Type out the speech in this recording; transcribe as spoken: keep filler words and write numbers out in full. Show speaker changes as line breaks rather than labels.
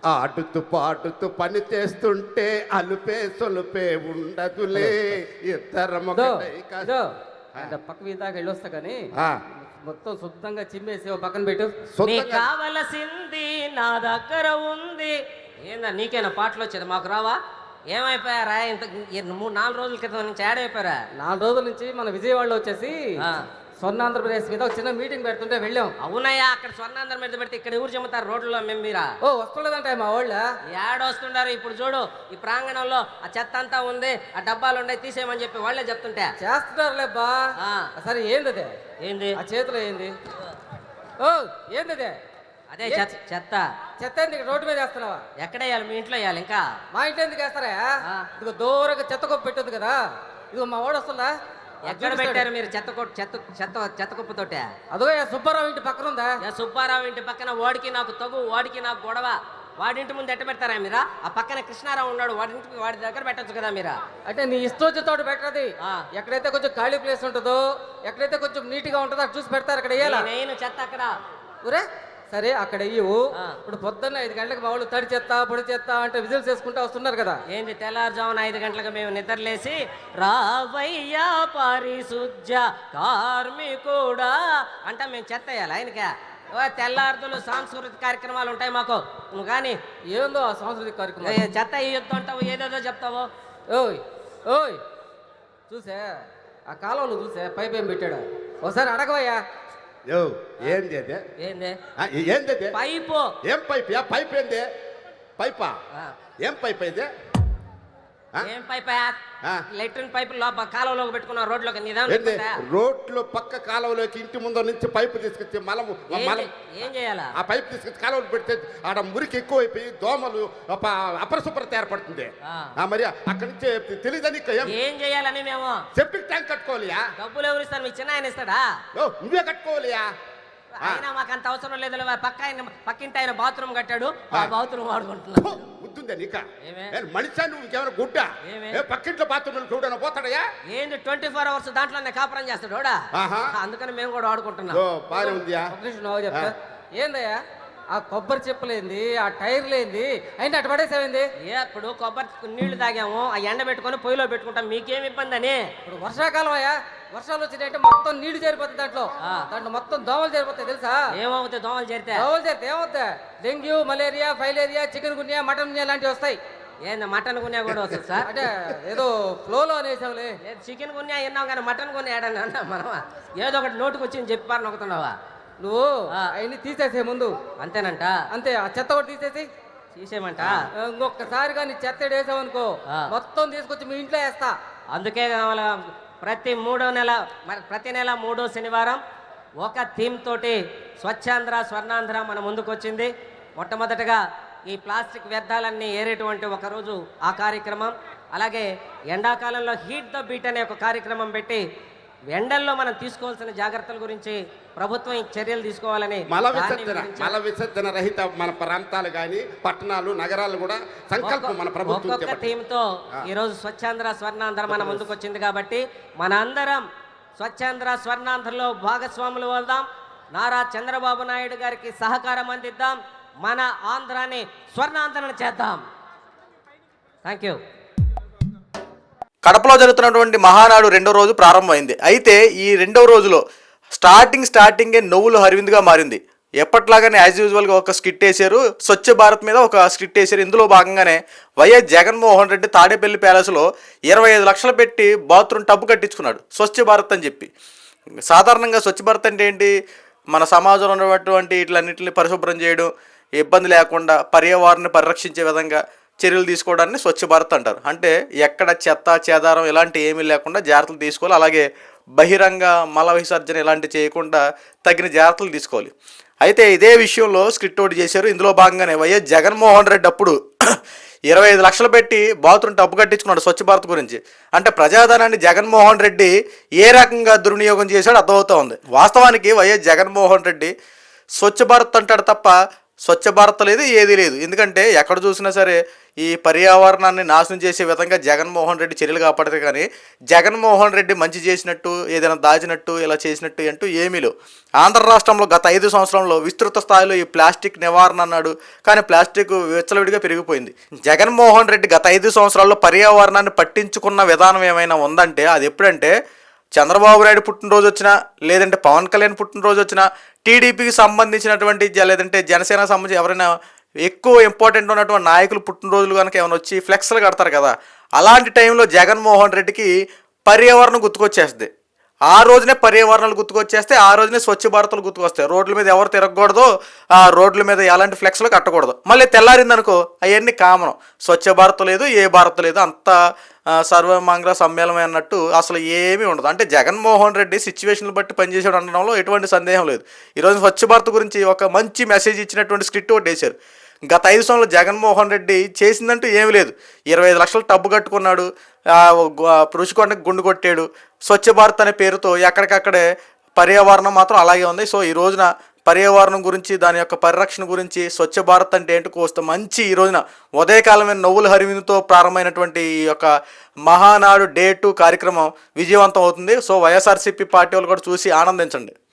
ఆడుతూ పాడుతూ పని చేస్తుంటే అలుపే సొలుపే ఉండదులే ఇద్దరం ఒకటై కా-
ఇదో అంటే పక్క వీధాకి వెళ్ళొస్తా కానీ
ఆ,
మొత్తం శుద్ధంగా చిమ్మేసి ఓ పక్కన పెట్టు.
నీకు
సొంతంగా
కావలసింది నా దగ్గర ఉంది. ఏందా నీకేనా పాటలు వచ్చేది, మాకు రావా? ఏమైపోయారా ఇంత ఈ మూడు నాలుగు రోజుల క్రితం నుంచి యాడ్ అయిపోయారా?
నాలుగు రోజుల నుంచి మన విజయవాడలో వచ్చేసి
ఆ.
స్వర్ణ ఆంధ్రప్రదేశ్ మీద ఒక చిన్న మీటింగ్ పెడుతుంటే వెళ్ళాం.
అవునయ్యా, అక్కడ స్వర్ణాంధ్ర మీద పెడితే ఇక్కడ ఊరు చెమ్ముతారు రోడ్లలో మేము మీరా?
ఓ వస్తుండదంటే మా వాళ్ళ
యాడ్ వస్తుండారు. ఇప్పుడు చూడు, ఈ ప్రాంగణంలో ఆ చెత్త అంతా ఉంది, ఆ డబ్బాలు ఉన్నాయి, తీసేయమని చెప్పి వాళ్ళే చెప్తుంటే
చేస్తున్నారులే బా.
ఆ.
సరే ఏంది అదే
ఏంది
ఆ చేతిలో ఏంది? ఓ ఏంది అదే?
అదే చెత్త చెత్త
చెత్త ఎందుకు రోడ్డు మీద వేస్తున్నావా?
ఎక్కడ వేయాలి? మీ ఇంట్లో వేయాలి. ఇంకా
మా ఇంట్లో ఎందుకు వేస్తారా?
ఆ.
ఇదిగో దూరంగా చెత్త కొప్పు పెట్టదు కదా, ఇదిగో మా వాడు వస్తుందా?
ఎక్కడ పెట్టారు మీరు చెత్త కొట్టు చెత్త చెత్త చెత్త కుప్పతోటే?
అదో సుబ్బారావు ఇంటి పక్కన ఉందా?
యా సుబ్బారావు ఇంటి పక్కన వాడికి నాకు తగు, వాడికి నాకు గొడవ. వాడింటి ముందు ఎట్ట పెడతారా మీరా? ఆ పక్కన కృష్ణారావు ఉన్నాడు, వాడింటి వాడి దగ్గర పెట్టచ్చు కదా మీరా?
అంటే నీ ఇష్టం తోట పెట్టది.
ఆ.
ఎక్కడైతే కొంచెం ఖాళీ ప్లేస్ ఉంటుందో, ఎక్కడైతే కొంచెం నీట్ గా ఉంటుందో అటు చూసి పెడతారు, అక్కడ వేయాలా?
నేను చెత్త అక్కడ.
ఊరే సరే అక్కడ వెయ్యవు.
ఆ.
ఇప్పుడు పొద్దున్న ఐదు గంటలకు మా వాళ్ళు తడి చెత్త పొడి చెత్త అంటే విజిల్స్ వేసుకుంటూ వస్తున్నారు కదా.
ఏంది తెల్లారుజామున ఐదు గంటలకు మేము నిద్రలేసి రావయ్యా పరిశుద్ధ కార్మికుడా అంట మేము చెత్త వేయాలి ఆయనకే. ఓ తెల్లారుదులు సాంస్కృతిక కార్యక్రమాలు ఉంటాయి మాకు. నువ్వు కానీ
ఏందో ఆ సాంస్కృతిక కార్యక్రమం.
ఏ చెత్త ఇయ్యొద్దు అంటావు, ఏదేదో చెప్తావు.
ఓయ్ ఓయ్ చూసే ఆ కాలంలో చూసే పైప్ ఏం పెట్టాడు, ఒకసారి అడగవయ్యా.
యో ఏంది అదే?
ఏంది
ఆ, ఏంది అదే?
పైపు?
ఏం పైప్? యా పైప్ ఏంది? పైపా?
ఆ.
ఏం పైప్ ఇది? ఆ?
ఏం పైప్?
ఆ.
లెట్రిన్ పైపు లోప కాలంలోకి పెట్టుకున్న రోడ్లోకి
ఏంది?
నిదానం.
రోడ్లో పక్క కాలువలోకి ఇంటి ముందు నుంచి పైపు తీసుకొచ్చి మలము మలం
ఏం చేయాలా?
ఆ పైపు తీసుకొచ్చి కాలువలు పెడితే ఆడ మురికి ఎక్కువైపోయి దోమలు అప- అపరిశుభ్రత ఏర్పడుతుంది.
ఆ.
ఆ, మరి అక్కడి నుంచి తెలియదని ఏం
ఏం చేయాలని మేము?
సెప్టిక్ ట్యాంక్ కట్టుకోవాలియా?
డబ్బులు ఎవరు ఇస్తారు? మీ చిన్న ఆయన ఇస్తాడా?
ఓ, నువ్వే కట్టుకోవాలియా?
అయినా మాకు అంత అవసరం లేదు. పక్క ఆయన పక్కింటి ఆయన బాత్రూమ్ కట్టాడు, ఆ
ఆ.
బాత్రూమ్ వాడుకుంటున్నాం.
గుర్తుందా నీక?
ఏమే?
మనిషి నువ్వు ఇంకేమైనా గుడ్డ?
ఏమే?
ఏ పక్కింట్లో బాత్రూమ్ చూడన పోతాడయా?
ఏంది ట్వంటీ ఫోర్ అవర్స్ దాంట్లోనే కాపురం చేస్తాడు వాడా?
ఆహా.
అందుకని మేము కూడా వాడుకుంటున్నాం.
ఓ బాగానే ఉందియా?
ఒక నిమిషం నువ్వు చెప్తా. ఏందయ్యా ఆ కొబ్బరి చెప్పులేంది, ఆ టైర్లేంది అయినా అటు పడేసేమైంది?
ఏ ఇప్పుడు కొబ్బరి నీళ్లు తాగాము, ఆ ఎండ పెట్టుకొని పొయ్యిలో పెట్టుకుంటాం, మీకేం ఇబ్బంది అని?
ఇప్పుడు వర్షాకాలం అయ్యా, వర్షాలు వచ్చినాయంటే మొత్తం నీళ్లు చేరిపోతుంది దాంట్లో.
ఆ.
దాంట్లో మొత్తం దోమలు చేరిపోతాయి తెలుసా?
ఏమవుతుంది దోమలు చేరితే?
దోమలు చేరితే ఏమవుతాయి? డెంగ్యూ, మలేరియా, ఫైలేరియా, చికెన్ గున్యా, మటన్ గున్యా లాంటివి వస్తాయి.
ఏంది మటన్ గున్యా కూడా వస్తుంది సార్?
అంటే ఏదో ఫ్లోలో అనేసావులే.
లేదు చికెన్ గున్యా విన్నాం కానీ మటన్ గున్యా ఏడని అన్నా మనం. ఏదో ఒకటి నోటుకు వచ్చింది చెప్పారు నొక్కుతున్నావా
నువ్వు
ఆ.
అవన్నీ తీసేసే ముందు.
అంతేనంట?
అంతే, ఆ చెత్త కూడా తీసేసి
తీసేయమంట?
ఇంకొకసారి కానీ చెత్త వేసావనుకో
ఆ.
మొత్తం తీసుకొచ్చి మీ ఇంట్లో వేస్తా.
అందుకే కావాలా ప్రతి మూడో నెల మరి ప్రతి నెల మూడో శనివారం ఒక థీమ్ తోటి స్వచ్ఛాంధ్ర స్వర్ణాంధ్ర మన ముందుకు వచ్చింది. మొట్టమొదటగా ఈ ప్లాస్టిక్ వ్యర్థాలన్నీ ఏరేటువంటి ఒకరోజు ఆ కార్యక్రమం, అలాగే ఎండాకాలంలో హీట్ ద బీట్ అనే ఒక కార్యక్రమం పెట్టి ఎండల్లో మనం తీసుకోవాల్సిన జాగ్రత్తల గురించి ప్రభుత్వం ఈ చర్యలు తీసుకోవాలని
మల
దాన్ని
విసర్జన
గురించి
మల విసర్జన రహిత మన ప్రాంతాలు కానీ పట్టణాలు నగరాలు కూడా సంకల్పం మన ప్రభుత్వం
ఒక్కొక్క
చేపట్టింది.
థీమ్తో ఈరోజు స్వచ్ఛాంధ్ర స్వర్ణాంధ్ర మన ముందుకు వచ్చింది కాబట్టి మన అందరం స్వచ్ఛాంధ్ర స్వర్ణాంధ్రలో భాగస్వాములు అవుదాం. నారా చంద్రబాబు నాయుడు గారికి సహకారం అందిద్దాం. మన ఆంధ్రాని స్వర్ణాంధ్రను చేద్దాం. Thank you.
కడపలో జరుగుతున్నటువంటి మహానాడు రెండో రోజు ప్రారంభమైంది. అయితే ఈ రెండో రోజులో స్టార్టింగ్ స్టార్టింగే నవ్వులు హరివిందుగా మారింది. ఎప్పట్లాగానే యాజ్ యూజువల్గా ఒక స్కిట్ వేశారు, స్వచ్ఛ భారత్ మీద ఒక స్కిట్ వేశారు. ఇందులో భాగంగానే వైఎస్ జగన్మోహన్ రెడ్డి తాడేపల్లి ప్యాలెస్లో ఇరవై ఐదు లక్షలు పెట్టి బాత్రూమ్ టబ్బు కట్టించుకున్నాడు స్వచ్ఛ భారత్ అని చెప్పి. సాధారణంగా స్వచ్ఛ భారత్ అంటే ఏంటి? మన సమాజంలో ఉన్నటువంటి ఇట్లన్నింటిని పరిశుభ్రం చేయడం, ఇబ్బంది లేకుండా పర్యావరణాన్ని పరిరక్షించే విధంగా చర్యలు తీసుకోవడాన్ని స్వచ్ఛ భారత్ అంటారు. అంటే ఎక్కడ చెత్త చెదారం ఇలాంటి ఏమీ లేకుండా జాగ్రత్తలు తీసుకోవాలి. అలాగే బహిరంగ మల విసర్జన ఇలాంటివి చేయకుండా తగిన జాగ్రత్తలు తీసుకోవాలి. అయితే ఇదే విషయంలో స్క్రిప్ట్ ఒకటి చేశారు. ఇందులో భాగంగానే వైఎస్ జగన్మోహన్ రెడ్డి అప్పుడు ఇరవై ఐదు లక్షలు పెట్టి బాత్రూమ్ టబ్బు కట్టించుకున్నాడు స్వచ్ఛ భారత్ గురించి. అంటే ప్రజాధనాన్ని జగన్మోహన్ రెడ్డి ఏ రకంగా దుర్వినియోగం చేశాడో అర్థమవుతా ఉంది. వాస్తవానికి వైఎస్ జగన్మోహన్ రెడ్డి స్వచ్ఛ భారత్ అంటాడు తప్ప స్వచ్ఛ భారత్ లేదు, ఏదీ లేదు. ఎందుకంటే ఎక్కడ చూసినా సరే ఈ పర్యావరణాన్ని నాశనం చేసే విధంగా జగన్మోహన్ రెడ్డి చర్యలు కాపాడితే కానీ జగన్మోహన్ రెడ్డి మంచి చేసినట్టు, ఏదైనా దాచినట్టు, ఇలా చేసినట్టు అంటూ ఏమీ లేవు. ఆంధ్ర రాష్ట్రంలో గత ఐదు సంవత్సరంలో విస్తృత స్థాయిలో ఈ ప్లాస్టిక్ నివారణ అన్నాడు, కానీ ప్లాస్టిక్ విచ్చలవిడిగా పెరిగిపోయింది. జగన్మోహన్ రెడ్డి గత ఐదు సంవత్సరాల్లో పర్యావరణాన్ని పట్టించుకున్న విధానం ఏమైనా ఉందంటే అది ఎప్పుడంటే చంద్రబాబు నాయుడు పుట్టినరోజు వచ్చినా, లేదంటే పవన్ కళ్యాణ్ పుట్టినరోజు వచ్చినా, టీడీపీకి సంబంధించినటువంటి లేదంటే జనసేనకు సంబంధించి ఎవరైనా ఎక్కువ ఇంపార్టెంట్ ఉన్నటువంటి నాయకులు పుట్టినరోజులు కనుక ఏమైనా వచ్చి ఫ్లెక్స్లు కడతారు కదా, అలాంటి టైంలో జగన్మోహన్ రెడ్డికి పర్యావరణం గుర్తుకొచ్చేస్తుంది. ఆ రోజునే పర్యావరణాలు గుర్తుకొచ్చేస్తే ఆ రోజునే స్వచ్ఛ భారత్లు గుర్తుకొస్తాయి. రోడ్ల మీద ఎవరు తిరగకూడదు, ఆ రోడ్ల మీద ఎలాంటి ఫ్లెక్స్లు కట్టకూడదు. మళ్ళీ తెల్లారిందనుకో అవన్నీ కామనం, స్వచ్ఛ భారత్ లేదు, ఏ భారత్ లేదు, అంత సర్వమంగళ సమ్మేళనం అన్నట్టు అసలు ఏమీ ఉండదు. అంటే జగన్మోహన్ రెడ్డి సిచ్యువేషన్లు బట్టి పనిచేసాడు అనడంలో ఎటువంటి సందేహం లేదు. ఈరోజు స్వచ్ఛ భారత్ గురించి ఒక మంచి మెసేజ్ ఇచ్చినటువంటి స్క్రిప్ట్ ఒకటి వేశారు. గత ఐదు సంవత్సరాలు జగన్మోహన్ రెడ్డి చేసిందంటూ ఏమీ లేదు. ఇరవై ఐదు లక్షలు టబ్బు కట్టుకున్నాడు, రుషికొండకు గుండు కొట్టాడు. స్వచ్ఛ భారత్ అనే పేరుతో ఎక్కడికక్కడే పర్యావరణం మాత్రం అలాగే ఉంది. సో ఈ రోజున పర్యావరణం గురించి, దాని యొక్క పరిరక్షణ గురించి, స్వచ్ఛ భారత్ అంటే ఏంటో కోస్త మంచి ఈ రోజున ఉదయకాలమైన నవ్వుల హరివిందుతో ప్రారంభమైనటువంటి ఈ యొక్క మహానాడు డే టూ కార్యక్రమం విజయవంతం అవుతుంది. సో వైఎస్ఆర్సీపీ పార్టీ వాళ్ళు కూడా చూసి ఆనందించండి.